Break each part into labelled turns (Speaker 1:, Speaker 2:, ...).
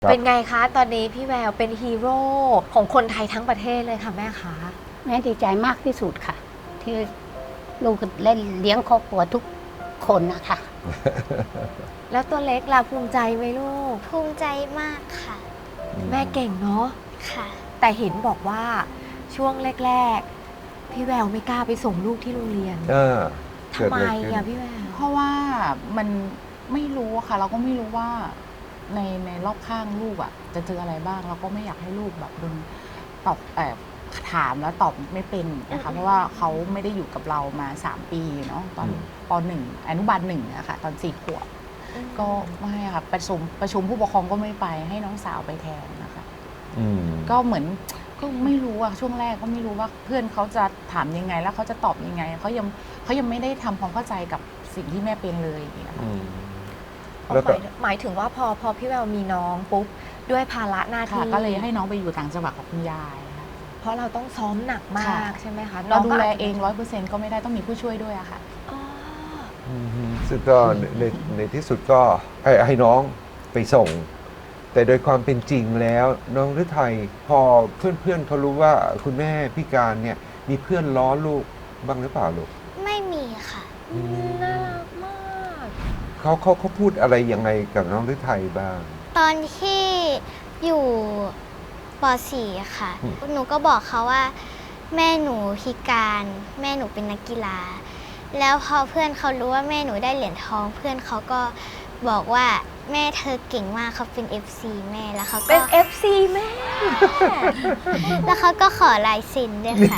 Speaker 1: เป็นไงคะตอนนี้พี่แววเป็นฮีโร่ของคนไทยทั้งประเทศเลยค่ะแม่คะ
Speaker 2: แม่ดีใจมากที่สุดค่ะ ที่ลูกเล่นเลี้ยงครอบครัวทุกคนนะคะ
Speaker 1: แล้วตัวเล็กล่ะภูมิใจไหมลูก
Speaker 3: ภูมิใจมากค่ะ
Speaker 1: แม่เก่งเนาะ
Speaker 3: ค่ะ
Speaker 1: แต่เห็นบอกว่าช่วงแรกๆพี่แววไม่กล้าไปส่งลูกที่โรงเรียน
Speaker 4: เกิด
Speaker 1: ทำไม
Speaker 4: อะไรขึ้น
Speaker 1: อะพี่แวว
Speaker 5: เพราะว่ามันไม่รู้อะค่ะ เราก็ไม่รู้ว่าในรอบข้างลูกอะจะเจออะไรบ้าง เราก็ไม่อยากให้ลูกแบบโดนตอบถามแล้วตอบไม่เป็นนะคะเพราะว่าเขาไม่ได้อยู่กับเรามา3 ปีเนาะตอนป .1 อนุบาล1นะคะตอน4 ขวบก็ไม่ค่ะประชุมผู้ปกครองก็ไม่ไปให้น้องสาวไปแทนนะคะก็เหมือนก็ไม่รู้อะช่วงแรกก็ไม่รู้ว่าเพื่อนเขาจะถามยังไงแล้วเขาจะตอบยังไงเขายังไม่ได้ทำความเข้าใจกับสิ่งที่แม่เป็นเลยอย่างเงี้ยค่ะ
Speaker 4: แล้วก็
Speaker 1: หมายถึงว่าพอพี่แววมีน้องปุ๊บด้วยภาระหน้า
Speaker 5: ค่ะ
Speaker 1: ที่
Speaker 5: ก็เลยให้น้องไปอยู่ต่างจังหวัดกับคุณยายค่ะ
Speaker 1: เพราะเราต้องซ้อมหนักมาก
Speaker 5: ค่ะ
Speaker 1: ใช่ไหมคะ
Speaker 5: เราดูแล
Speaker 1: ก็
Speaker 5: เอง 100%ก็ไม่ได้ต้องมีผู้ช่วยด้วยอะค่ะ
Speaker 1: อ๋อ
Speaker 4: ซึ่งก็ในที่สุดก็ให้น้องไปส่ง แต่โดยความเป็นจริงแล้วน้องฤทัยพอเพื่อนๆเขารู้ว่าคุณแม่พิการเนี่ยมีเพื่อนล้อลูกบ้างหรือเปล่าลูก
Speaker 3: ไม่มีค่ะ
Speaker 1: น่ารักมาก
Speaker 4: เขาพูดอะไรยังไงกับน้องฤทัยบ้าง
Speaker 3: ตอนที่อยู่ป .4 ค่ะ
Speaker 4: อืม
Speaker 3: หนูก็บอกเขาว่า แม่หนูพิการ แม่หนูเป็นนักกีฬา แล้วพอเพื่อนเขารู้ว่าแม่หนูได้เหรียญทอง เพื่อนเขาก็บอกว่าแม่เธอเก่งมากเขาเป็น FC แม่แล้วเขา
Speaker 1: เป็
Speaker 3: ก็
Speaker 1: น FC แม่
Speaker 3: แล้วเขาก็ขอลายเซ็นด้วยค่ะ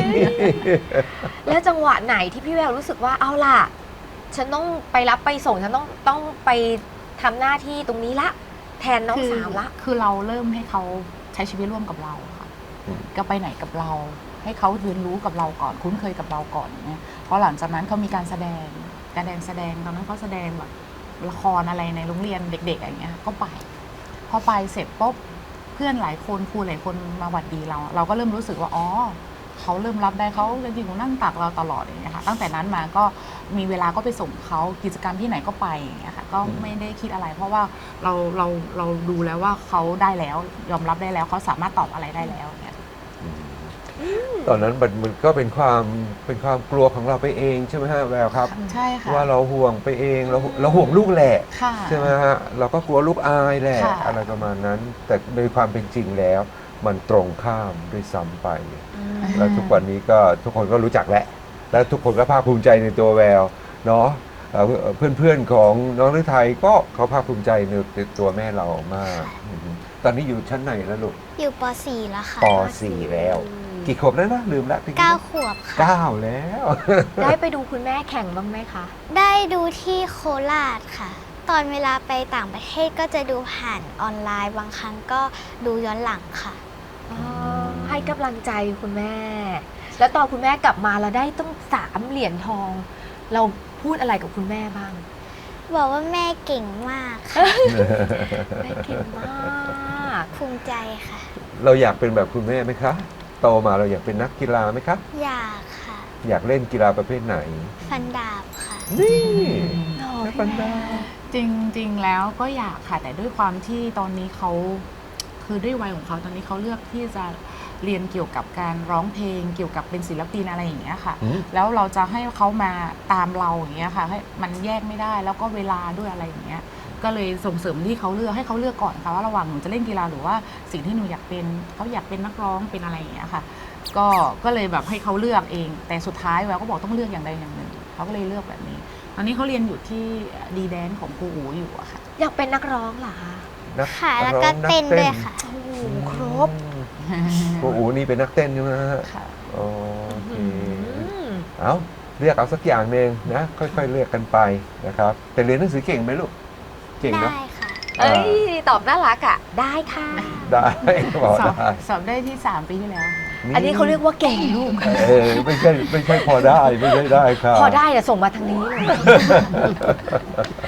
Speaker 1: แล้วจังหวะไหนที่พี่แววรู้สึกว่าเอาล่ะ ฉันต้องไปรับไปส่งฉันต้องไปทำหน้าที่ตรงนี้ละ แทนน้องสาวละ
Speaker 5: คือเราเริ่มให้เขาใช้ชีวิตร่วมกับเราค่ะ
Speaker 4: อืม
Speaker 5: ก็ไปไหนกับเรา ให้เขาเรียนรู้กับเราก่อนคุ้นเคยกับเราก่อนเนี่ยเพราะหลังจากนั้นเขามีการแสดงตอนนั้นเขาแสดงแบบละครอะไรในโรงเรียนเด็กๆอย่างเงี้ยก็ไปพอไปเสร็จปุ๊บเพื่อนหลายคนครูหลายคนมาหวัดดีเราก็เริ่มรู้สึกว่าอ๋อเขาเริ่มรับได้เขาจริงๆนั่งตักเราตลอดอย่างเงี้ยค่ะตั้งแต่นั้นมาก็มีเวลาก็ไปส่งเขากิจกรรมที่ไหนก็ไปอย่างเงี้ยค่ะก็ไม่ได้คิดอะไร เพราะว่าเราดูแล้วว่าเขาได้แล้วยอมรับได้แล้วเขาสามารถตอบอะไรได้แล้วอย่างเงี้ย
Speaker 4: ตอนนั้นมันก็เป็นความกลัวของเราไปเองใช่ไหมฮะแววครับ
Speaker 5: ใช่ค่ะ
Speaker 4: ว่าเราห่วงไปเองเราห่วงลูกแหละ
Speaker 5: ค่ะ
Speaker 4: ใช่ไหมฮะเราก็กลัวลูกอายแหละ
Speaker 5: ค่ะ
Speaker 4: อะไรประมาณนั้น แต่โดยความเป็นจริงแล้ว มันตรงข้ามด้วยซ้ำไป แล้วทุกวันนี้ก็ทุกคนก็รู้จักแล้วแล้วทุกคนก็ภาคภูมิใจในตัวแววเนาะเพื่อนๆของน้องฤทัยก็เขาภาคภูมิใจในตัวแม่เรามากตอนนี้อยู่ชั้นไหนแล้วลูก
Speaker 3: อยู่ป .4 แล้วค่ะ
Speaker 4: ป .4 แล้ว กี่ขวบแล้วนะลืมละ
Speaker 3: 9 ขวบค่ะ
Speaker 4: 9 แล้ว
Speaker 1: ได้ไปดูคุณแม่แข่งบ้างไหมคะ
Speaker 3: ได้ดูที่โคราชค่ะ ตอนเวลาไปต่างประเทศก็จะดูผ่านออนไลน์ บางครั้งก็ดูย้อนหลังค่ะ
Speaker 1: ให้กำลังใจคุณแม่ แล้วตอนคุณแม่กลับมาเราได้ต้อง3 เหรียญทอง เราพูดอะไรกับคุณแม่บ้าง
Speaker 3: บอกว่าแม่เก่งมากค่ะ
Speaker 1: แม่เก่งมาก
Speaker 3: ภูมิใจค่ะ
Speaker 4: เราอยากเป็นแบบคุณแม่ไหมคะ โตมาเราอยากเป็นนักกีฬาไหมคะ
Speaker 3: อยากค่ะ
Speaker 4: อยากเล่นกีฬาประเภทไหน
Speaker 3: ฟันดาบค่ะ
Speaker 4: นี่
Speaker 1: หล่อ
Speaker 4: แม่
Speaker 1: พี่
Speaker 4: ปัน
Speaker 1: แม่
Speaker 4: ดา
Speaker 5: จริงๆแล้วก็อยากค่ะ แต่ด้วยความที่ตอนนี้เขาคือด้วยวัยของเขาตอนนี้เขาเลือกที่จะเรียนเกี่ยวกับการร้องเพลง เกี่ยวกับเป็นศิลปินอะไรอย่างเงี้ยค่ะ แล้วเราจะให้เขามาตามเราอย่างเงี้ยค่ะให้มันแยกไม่ได้แล้วก็เวลาด้วยอะไรอย่างเงี้ยก็เลยส่งเสริมที่เขาเลือกให้เขาเลือกก่อนค่ะว่าระหว่างหนูจะเล่นกีฬาหรือว่าสิ่งที่หนูอยากเป็นเขาอยากเป็นนักร้องเป็นอะไรอย่างเงี้ยค่ะ ก็เลยแบบให้เขาเลือกเอง แต่สุดท้ายแววก็บอกต้องเลือกอย่างใดอย่างหนึ่งเขาก็เลยเลือกแบบนี้ ตอนนี้เขาเรียนอยู่ที่ดีแดนของครูอูอยู่อะค่ะ
Speaker 1: อยากเป็นนักร้องเหรอคะ
Speaker 4: นัก
Speaker 3: ค่ะ แล้ว
Speaker 4: ร้
Speaker 3: ก็
Speaker 4: องนั
Speaker 3: เต้นด้วยค่ะ
Speaker 1: โอ้โหครบ
Speaker 4: ครูอูนี่เป็นนักเต้นใช่ไหมฮะ
Speaker 5: ค่ะ
Speaker 4: โอเค
Speaker 1: อืม
Speaker 4: เอาเลือกเอาสักอย่างหนึ่งนะ ค่อยๆเลือกกันไปนะครับ แต่เรียนหนังสือเก่งไหมลูก เก่งเนอะ
Speaker 3: ได้ค่ะ
Speaker 1: เอ้ย ตอบน่ารักอ่ะ ได้ค่ะ
Speaker 4: ได้บอก
Speaker 5: สอบ
Speaker 4: ได้
Speaker 5: สอบได้ที่3 ปีที่แล้วค่ะ
Speaker 1: อันนี้เขาเรียกว่าเก่งลูก
Speaker 4: ไม่ใช่พอได้ไม่ใช่ได้ครับ
Speaker 1: พอได้อะส่งมาทางนี้เลย